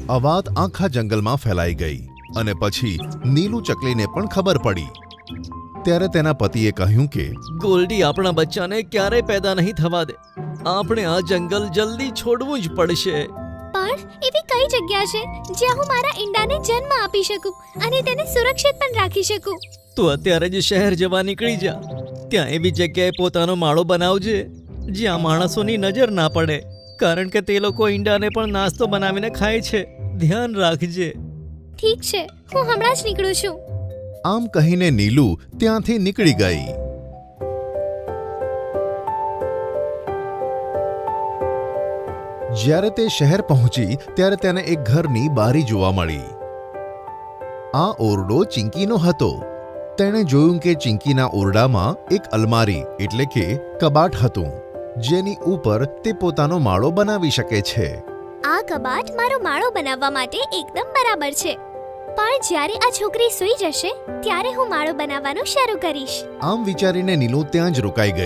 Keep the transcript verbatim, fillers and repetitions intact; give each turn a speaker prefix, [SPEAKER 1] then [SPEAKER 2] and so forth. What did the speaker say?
[SPEAKER 1] આ વાત આખા જંગલમાં ફેલાઈ ગઈ અને પછી નીલુ ચકલીને પણ ખબર પડી. ત્યારે તેના પતિએ કહ્યું કે
[SPEAKER 2] ગોલ્ડી આપણા બચ્ચાને ક્યારેય પેદા નહીં થવા દે. આપણે આ જંગલ જલ્દી છોડવું જ પડશે.
[SPEAKER 3] પણ એવી કઈ જગ્યા છે જ્યાં હું મારા ઈંડાને જન્મ આપી શકું અને તેને સુરક્ષિત પણ રાખી શકું?
[SPEAKER 2] તું અત્યારે જ શહેર જવા નીકળી જા. ત્યાં એવી જગ્યાએ પોતાનો માળો બનાવજે જ્યાં માણસોની નજર ના પડે, કારણ કે તે લોકો ઈંડાને પણ નાસ્તો બનાવીને ખાય છે. ધ્યાન રાખજે.
[SPEAKER 3] ઠીક છે, હું હમણાં જ નીકળું છું.
[SPEAKER 1] આમ કહીને નીલુ ત્યાંથી નીકળી ગઈ. જ્યારે તે શહેર પહોંચી ત્યારે તેને એક ઘરની બારી જોવા મળી. આ ઓરડો ચિંકીનો હતો. તેણે જોયું કે ચિંકીના ઓરડામાં એક અલમારી એટલે કે કબાટ હતું, જેની ઉપર તે પોતાનો માળો બનાવી શકે છે.
[SPEAKER 3] આ કબાટ મારો માળો બનાવવા માટે એકદમ બરાબર છે. પણ જ્યારે આ છોકરી સૂઈ જશે ત્યારે હું માળો બનાવવાનું શરૂ કરીશ.
[SPEAKER 1] આમ વિચારીને નીલુ ત્યાં જ રોકાઈ ગઈ.